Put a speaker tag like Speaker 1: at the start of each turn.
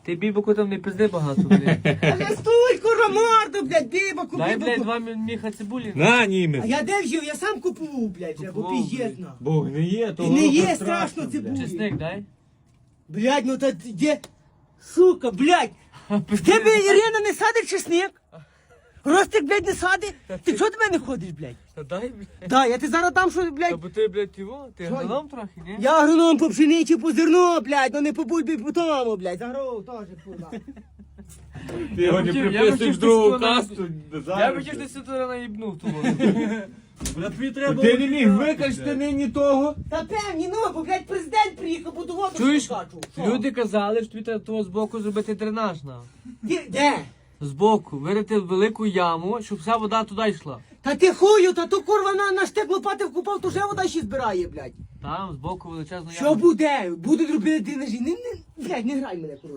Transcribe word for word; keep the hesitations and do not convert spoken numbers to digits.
Speaker 1: Ти бібоку там не пизди багато, блядь.
Speaker 2: Але стой, кура морду, блядь, бібаку,
Speaker 1: Дай, блядь,
Speaker 2: бібаку.
Speaker 1: два міха цибулі.
Speaker 3: На,
Speaker 2: А
Speaker 3: німець.
Speaker 2: я де взяв? Я сам купував, блядь, вже, бо
Speaker 1: Купував,
Speaker 2: піздєтно.
Speaker 3: Бог не є, то
Speaker 2: І не
Speaker 3: воно
Speaker 2: є
Speaker 3: страшно,
Speaker 2: страшно
Speaker 3: блядь.
Speaker 2: цибулі.
Speaker 1: Чесник дай.
Speaker 2: Блядь, ну та де? Сука, блядь. В тебе Ірина не садить чесник? Ростик, блядь, не садить? Ти чого до мене ходиш, блядь?
Speaker 1: Та дай, блядь.
Speaker 2: Да, я ти зараз дам, що,
Speaker 1: Та
Speaker 2: блядь.
Speaker 1: бо ти, блядь, його, ти
Speaker 2: Що я?
Speaker 1: агроном трохи, ні?
Speaker 2: Я агроном по пшениці, по зерно, блядь, ну не по бульбі, по тому, блядь. Загров теж, курва.
Speaker 3: Ти його не
Speaker 1: хотів- я
Speaker 3: приписуєш
Speaker 1: хотів
Speaker 3: другу
Speaker 1: ти сказати,
Speaker 3: касту.
Speaker 1: Я б хотів, що ти наїбнув того.
Speaker 3: Ти не міг викачати нині того?
Speaker 2: Та певні, ну, бо, блядь, президент приїхав, буду воду
Speaker 1: Чуєш,
Speaker 2: скачу. Що?
Speaker 1: люди казали, що тобі треба того збоку зробити дренаж на.
Speaker 2: Ти, де?
Speaker 1: Збоку, вирити велику яму, щоб вся вода туди йшла.
Speaker 2: Та ти хую, та то курва на, на штик лопати вкупав, то вже вода ще збирає, блядь.
Speaker 1: Там, збоку величезна яма.
Speaker 2: Що буде? Будуть робити дренажі. Не, не, блядь, не грай мене, курва.